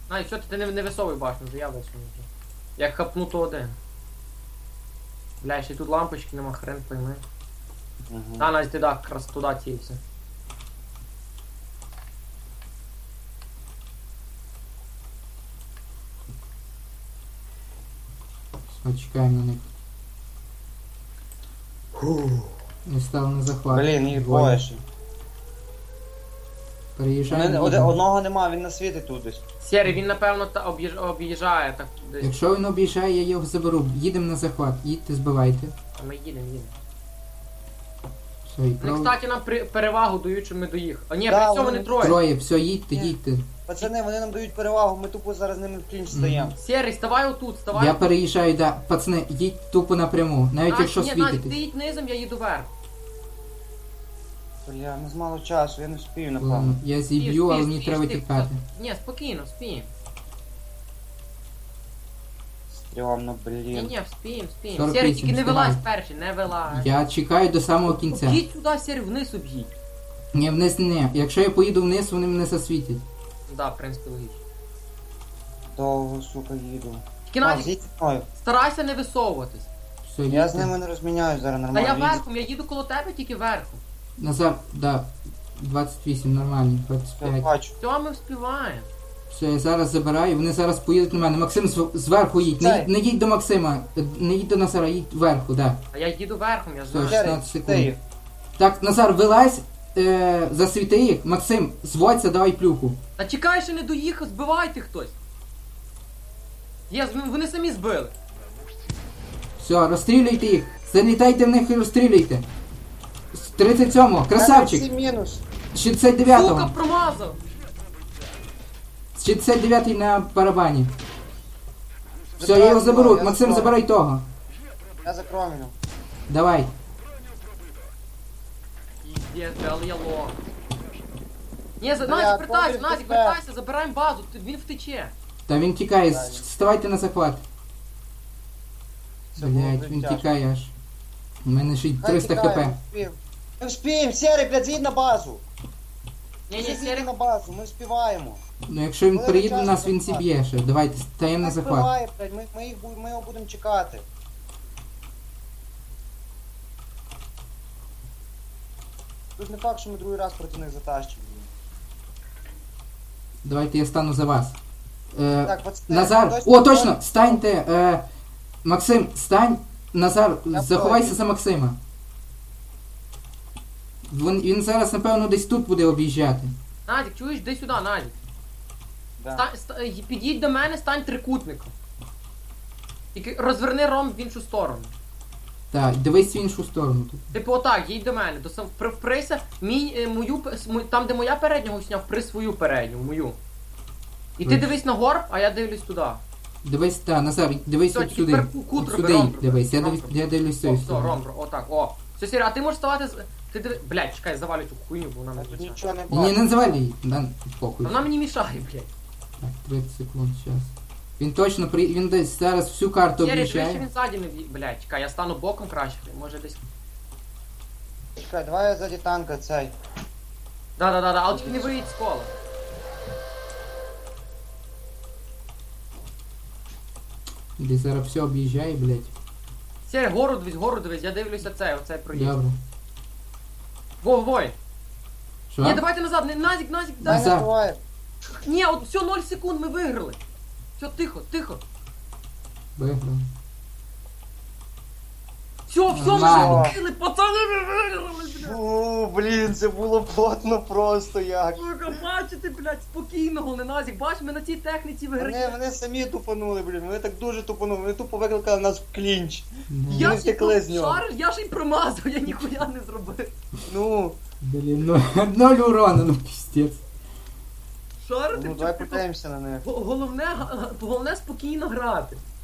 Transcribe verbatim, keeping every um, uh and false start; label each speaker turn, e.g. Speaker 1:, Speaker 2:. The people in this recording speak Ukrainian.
Speaker 1: А, і що ти не, не висовуй башню, вже я висуну вже. Як хапну, то один. Бля, ще й тут лампочки нема, хрен пойми.
Speaker 2: Угу.
Speaker 1: А, Настя, ти так, якраз туди тівся.
Speaker 3: Все, чекаємо на них. Не став на захват.
Speaker 2: Блін, їх
Speaker 3: Двоє.
Speaker 2: двоє ще.
Speaker 3: Переїжджаємо.
Speaker 2: Один-
Speaker 3: їдемо.
Speaker 2: Одного нема, він на світі тут десь.
Speaker 1: Сірий, він напевно та об'їж... об'їжджає так десь.
Speaker 3: Якщо він об'їжджає, я його заберу. Їдемо на захват. Їдьте, збивайте.
Speaker 1: А ми їдемо, їдемо.
Speaker 3: Все, і
Speaker 1: Вони,
Speaker 3: прав...
Speaker 1: кстати, нам при... перевагу дають, що ми до їх. А ні,
Speaker 2: Да,
Speaker 1: при цьому
Speaker 2: вони
Speaker 1: не троє.
Speaker 3: Троє, все, їдьте,
Speaker 2: Ні.
Speaker 3: їдьте.
Speaker 2: Пацани, вони нам дають перевагу, ми тупо зараз з ними в клінч стаємо.
Speaker 1: Сірий, ставай отут, ставай.
Speaker 3: Я переїжджаю, да. Пацани, їдь тупо напряму. Навіть
Speaker 1: Настя,
Speaker 3: якщо
Speaker 1: ні, Настя, ти
Speaker 3: світитесь.
Speaker 1: їдь низом, я їду вверх.
Speaker 2: Бля, не з мало часу, я не вспію,
Speaker 3: Ладно,
Speaker 2: напевно.
Speaker 3: я
Speaker 1: Спіш,
Speaker 3: зіб'ю, але
Speaker 1: спіш,
Speaker 3: мені
Speaker 1: спіш,
Speaker 3: треба
Speaker 1: ти-
Speaker 3: тікати.
Speaker 1: Ні, спокійно, спіємо.
Speaker 2: Стрьомно,
Speaker 1: Ні,
Speaker 2: блін.
Speaker 1: ні, спіємо, спіємо.
Speaker 3: сорок
Speaker 1: Сірий,
Speaker 3: вісім,
Speaker 1: тільки не вилазь
Speaker 3: встигаю.
Speaker 1: перший, не вилазь.
Speaker 3: Я чекаю до самого кінця.
Speaker 1: Об'їдь сюди, Сірий, вниз об'їдь.
Speaker 3: Ні, вниз не. Якщо я поїду вниз, вони мене засвітять.
Speaker 1: Да, в принципі, логічно.
Speaker 2: Довго, сука, їду.
Speaker 1: Тільки
Speaker 2: А,
Speaker 1: Назік,
Speaker 2: зійдь зі мною.
Speaker 1: старайся не висовуватись.
Speaker 3: Все,
Speaker 2: Я
Speaker 3: їдьте.
Speaker 2: з ними не розміняюсь зараз
Speaker 1: Та
Speaker 2: нормально.
Speaker 1: я
Speaker 2: Їдь.
Speaker 1: верхом, я їду коло тебе, тільки верхом.
Speaker 3: Назар, да. двадцять вісім, нормальні, двадцять
Speaker 2: Я
Speaker 3: п'ять.
Speaker 2: бачу.
Speaker 1: Все, ми вспіваємо.
Speaker 3: Все, я зараз забираю, вони зараз поїдуть на мене. Максим зв- зверху їдь. Не,
Speaker 2: Цей.
Speaker 3: їдь- не їдь до Максима, е, не їдь до Назара, їдь вверху, да.
Speaker 1: А я їду верхом, я
Speaker 3: Все,
Speaker 1: знаю.
Speaker 3: шістнадцять
Speaker 2: Сірий,
Speaker 3: секунд.
Speaker 2: ти їх.
Speaker 3: Так, Назар, вилазь, е, засвіти їх. Максим, зводься, давай плюху.
Speaker 1: Та чекай, ще не доїхав, збивайте хтось. Є, з- вони самі збили.
Speaker 3: Все, розстрілюйте їх. Залітайте в них і розстрілюйте. З тридцять сьомого, красавчик.
Speaker 2: Всі мінус.
Speaker 3: З шістдесят дев'ятого.
Speaker 1: Сука, промазав.
Speaker 3: З шістдесят дев'ятий на барабані. Все, я
Speaker 2: Забрав
Speaker 3: його заберу.
Speaker 2: його, я
Speaker 3: Максим,
Speaker 2: забрав.
Speaker 3: забирай того.
Speaker 2: Я за кромінем.
Speaker 3: Давай.
Speaker 1: Піздець, але я лох. Ні, за...
Speaker 2: Бля,
Speaker 1: Назік, вертайся,
Speaker 2: Коваль,
Speaker 1: Назік,
Speaker 2: ти
Speaker 1: вертайся, забираємо базу, ти- він втече.
Speaker 3: Та він тікає,
Speaker 2: Правильно.
Speaker 3: ставайте на захват.
Speaker 2: Це було
Speaker 3: Блять,
Speaker 2: дуже
Speaker 3: він
Speaker 2: тяжко.
Speaker 3: тікає аж. У мене ще й
Speaker 2: Хай
Speaker 3: триста
Speaker 2: тікає,
Speaker 3: хп.
Speaker 2: ми вспіємо. Ми вспіємо, Сірий, блядь, з'їдь на базу.
Speaker 1: Ні, ні,
Speaker 2: З'їдь
Speaker 1: Сірий,
Speaker 2: на базу, ми вспіваємо.
Speaker 3: Ну якщо він
Speaker 2: Ми
Speaker 3: приїде до
Speaker 2: час
Speaker 3: нас, він
Speaker 2: захват.
Speaker 3: зіб'є ще. Давайте, стаємо на
Speaker 2: Хай
Speaker 3: захват.
Speaker 2: вбиває, блядь, ми, ми, їх, бу- ми його будемо чекати. Тут не факт, що ми другий раз проти них затащимо.
Speaker 3: Давайте я стану за вас. Е,
Speaker 2: Так, пацани,
Speaker 3: Назар,
Speaker 2: хтось
Speaker 3: о,
Speaker 2: там-
Speaker 3: точно, станьте. Е, Максим, стань. Назар,
Speaker 2: Я
Speaker 3: заховайся
Speaker 2: понял.
Speaker 3: за Максима. Він, він зараз, напевно, десь тут буде об'їжджати.
Speaker 1: Назік, чуєш, йди сюди, Назік.
Speaker 2: Да.
Speaker 1: Ста... ста- й- Підійдь до мене, стань трикутником. Тільки розверни ром в іншу сторону.
Speaker 3: Так, дивись в іншу сторону тут.
Speaker 1: Типу отак, їдь до мене, до сам впри- вприся, мій, е, мою, п- с- мо- там де моя передня гусня, впри свою передню, мою. І ти
Speaker 3: Ви-
Speaker 1: дивись на горб, а я дивлюсь туди.
Speaker 3: Дивись, та, Назар, дивись
Speaker 1: Все,
Speaker 3: от
Speaker 1: тільки
Speaker 3: сюди.
Speaker 1: тепер ку- кут
Speaker 3: От
Speaker 1: роби,
Speaker 3: сюди
Speaker 1: ром
Speaker 3: їдь,
Speaker 1: роби,
Speaker 3: дивись, я,
Speaker 1: ром
Speaker 3: дивись,
Speaker 1: роби.
Speaker 3: я дивлюсь з
Speaker 1: О,
Speaker 3: цієї
Speaker 1: все,
Speaker 3: сторони.
Speaker 1: ром, ром, отак, о. Все, Сірі, а ти можеш ставати з... Ти диви... Блядь, чекай, завалю цю хуйню, бо вона
Speaker 2: Я
Speaker 1: не
Speaker 2: тут
Speaker 1: звичайна.
Speaker 2: нічого не
Speaker 3: Ні,
Speaker 2: бачу.
Speaker 3: не називай її, да, похуй.
Speaker 1: Вона мені мішає, блядь.
Speaker 3: Так, тридцять секунд, зараз. Він точно при... він десь зараз всю карту
Speaker 1: Сірі, дивись, що
Speaker 3: об'їжджає.
Speaker 1: він ззаді не в'ї- Блядь, чекай, я стану боком краще, може десь...
Speaker 2: Чекай, давай я ззаді танка цей.
Speaker 1: Да-да-да, але тільки не виїдь з кола.
Speaker 3: Десь зараз все об'їжджає, блядь.
Speaker 1: Сірі, гору дивись, гору дивись, я дивлюся цей, оцей проїзд.
Speaker 3: Добре.
Speaker 1: Во, вой.
Speaker 3: Що?
Speaker 1: Ні, давайте назад, не Назік, Назік,
Speaker 2: Дай
Speaker 1: Назік.
Speaker 3: Назад.
Speaker 2: не буває.
Speaker 1: Ні, от все, ноль секунд, ми виграли. Все, тихо, тихо.
Speaker 3: Виграв.
Speaker 1: Все, все, ми
Speaker 3: Нормально.
Speaker 1: виграли, пацани, ми виграли, блядь.
Speaker 2: Фу, блін, це було плотно просто як.
Speaker 1: Сука, бачите, блядь, спокійного, не Назік, бач, ми на цій техніці
Speaker 2: Вони,
Speaker 1: виграємо.
Speaker 2: вони самі тупанули, блін, вони так дуже тупанули, вони тупо викликали нас в клінч.
Speaker 3: Да.
Speaker 1: Я
Speaker 2: Вони
Speaker 1: ж і
Speaker 2: втекли з нього.
Speaker 1: шариш, я ж і промазав, я ніхуя не зробив.
Speaker 2: Ну,
Speaker 3: Блін, ну ноль урона, ну піздець.
Speaker 1: Шарити,
Speaker 2: ну давай подивимося на них.
Speaker 1: головне, га- головне спокійно грати.